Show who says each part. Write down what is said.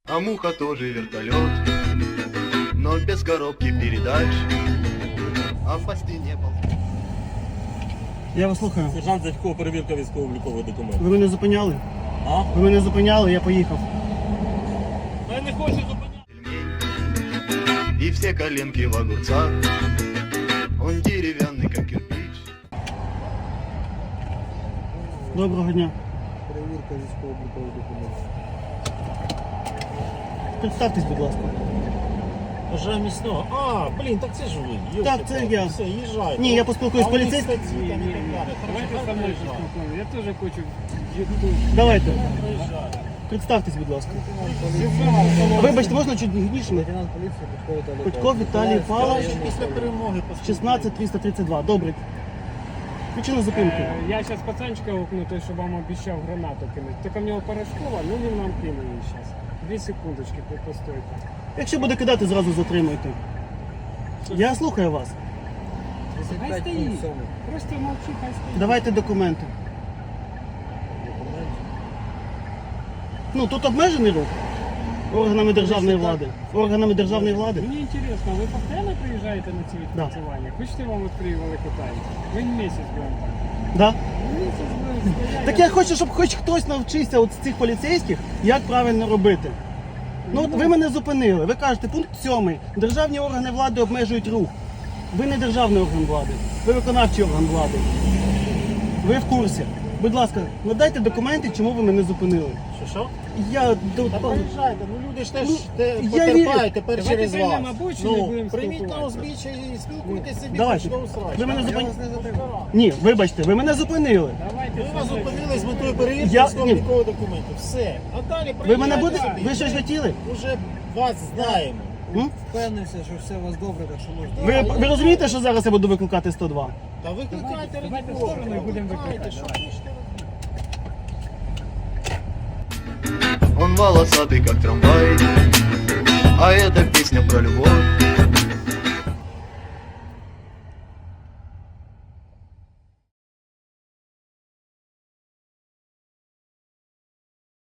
Speaker 1: А муха тоже вертолет, но без коробки передач, а в посте не был.
Speaker 2: Я вас слухаю.
Speaker 3: Сержант Зятько, перевірка військово-облікових документів.
Speaker 2: Ви мене зупиняли?
Speaker 3: А?
Speaker 2: Ви мене зупиняли, я поїхав.
Speaker 3: Я не хочу зупиняти.
Speaker 1: И все коленки в огурцах, он деревянный, как кирпич.
Speaker 2: Доброго дня.
Speaker 3: Перевірка військово-облікових документів.
Speaker 2: Представтесь, будь ласка.
Speaker 3: Вже міцно. А, блін, так це ж ви.
Speaker 2: Так, це я.
Speaker 3: Все, їжджайте.
Speaker 2: Ні, я поспілкуюсь з
Speaker 3: А у них
Speaker 2: поліцейським.
Speaker 3: статті там і так далі.
Speaker 4: Давайте со мною поспілкуємо. Я теж хочу.
Speaker 2: Давайте.
Speaker 3: Приїжджайте.
Speaker 2: Представтесь, будь ласка. Вибачте, можна чуть гніше?
Speaker 3: Лейтенант поліції
Speaker 2: Петько Віталій Павлович,
Speaker 3: Після перемоги
Speaker 2: 16332. Добре. Причина зупинки.
Speaker 4: Я зараз пацанчика гукну, той, що вам обіцяв гранату кинути. Тільки в нього порошкова, ну він нам кинув її зараз. 2 секундочки, постойте.
Speaker 2: Якщо буде кидати, зразу затримуйте. Я слухаю вас.
Speaker 4: Хай стоїть. Просто мовчи, хай стоїть.
Speaker 2: Давайте документи. Ну, тут обмежений рух органами державної влади. Органами державної влади.
Speaker 4: Мені цікаво, ви постійно приїжджаєте на ці відпрацювання? Хочете, вам відкрию велику тайну? Ви місяць будемо так.
Speaker 2: Да?
Speaker 4: Місяць будемо стояти.
Speaker 2: Так я хочу, щоб хоч хтось навчився от з цих поліцейських, як правильно робити. Ну от ви мене зупинили. Ви кажете, пункт 7. Державні органи влади обмежують рух. Ви не державний орган влади. Ви виконавчий орган влади. Ви в курсі. Будь ласка, надайте документи, чому ви мене зупинили.
Speaker 3: Що?
Speaker 2: Я
Speaker 3: Та приїжджайте, ну люди ж теж
Speaker 2: Ну, я
Speaker 3: потерпають тепер
Speaker 4: Давайте
Speaker 3: через вас.
Speaker 4: приймемо обочину і будемо
Speaker 3: Прийміть на
Speaker 4: спілкуватися.
Speaker 3: узбіччя і спілкуйтесь собі,
Speaker 2: Давайте.
Speaker 3: хоч до усрач.
Speaker 2: Ви мене
Speaker 3: Я
Speaker 2: зупин-
Speaker 3: вас не затримую.
Speaker 2: Ні, вибачте, ви мене зупинили.
Speaker 4: Давайте
Speaker 3: Ми вас
Speaker 4: со мною.
Speaker 3: зупинили з метою перевірки
Speaker 2: Я-
Speaker 3: військово-облікових документів. Все. А далі
Speaker 2: Ви мене
Speaker 3: приїжджайте
Speaker 2: будете.
Speaker 3: собі.
Speaker 2: Ви щось хотіли?
Speaker 3: Уже вас знаємо.
Speaker 2: М?
Speaker 5: Впевнився, що все у вас добре, так що можна.
Speaker 2: Ви розумієте, що зараз я буду викликати 102?
Speaker 3: Та викликайте
Speaker 4: Давайте
Speaker 3: раді
Speaker 4: в сторону
Speaker 3: Бога,
Speaker 4: і будемо
Speaker 3: викликайте,
Speaker 4: викликати.
Speaker 3: що хочете робити.
Speaker 1: Он волосатый, как трамвай, а это песня про любовь.